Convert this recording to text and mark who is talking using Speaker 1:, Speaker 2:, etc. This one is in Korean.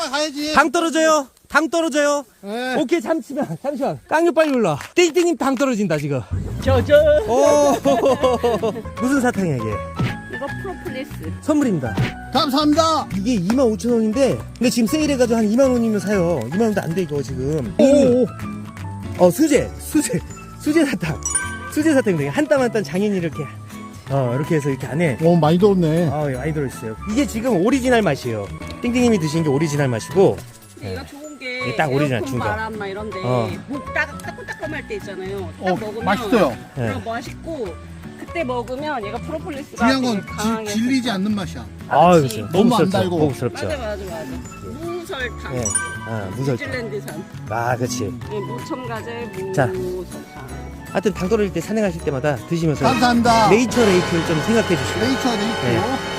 Speaker 1: 가야지.
Speaker 2: 당 떨어져요. 당 떨어져요.
Speaker 1: 네.
Speaker 2: 오케이, 잠시만. 깡유 빨리 올라. 띵띵님 당 떨어진다, 지금. 오, 무슨 사탕이야, 이게?
Speaker 3: 이거 프로폴리스.
Speaker 2: 선물입니다.
Speaker 1: 감사합니다.
Speaker 2: 이게 25,000원인데, 근데 지금 세일해가지고 한 2만원이면 사요. 2만원도 안 돼, 이거 지금. 수제 사탕. 수제 사탕입니다. 한 땀 한 땀 장인이 이렇게. 이렇게 해서 이렇게 안에.
Speaker 1: 오, 많이 들었네.
Speaker 2: 많이 들어있어요. 이게 지금 오리지널 맛이에요. 띵띵님이 드신 게 오리지널 맛이고.
Speaker 3: 근데 얘가 좋은 게
Speaker 2: 이게 딱 오리지널
Speaker 3: 에어컨
Speaker 2: 중간.
Speaker 3: 바람 막 이런데 목 따끔따끔할 때 있잖아요. 딱 먹으면
Speaker 1: 맛있어요.
Speaker 3: 그냥 맛있고 그때 먹으면 얘가 프로폴리스가
Speaker 1: 중요한
Speaker 3: 되게
Speaker 1: 건
Speaker 3: 강하게
Speaker 1: 질리지
Speaker 3: 섞여.
Speaker 1: 않는 맛이야.
Speaker 3: 그치.
Speaker 1: 너무 안 달고.
Speaker 2: 고급스럽죠.
Speaker 3: 맞아. 무설탕.
Speaker 2: 예. 무설탕.
Speaker 3: 뉴질랜드산.
Speaker 2: 그치.
Speaker 3: 무첨가제
Speaker 2: 자.
Speaker 3: 무설탕.
Speaker 2: 하여튼 당 떨어질 때 산행하실 때마다 드시면서
Speaker 1: 감사합니다.
Speaker 2: 네이처를 좀 생각해 주시고.
Speaker 1: 네이처.
Speaker 2: 네.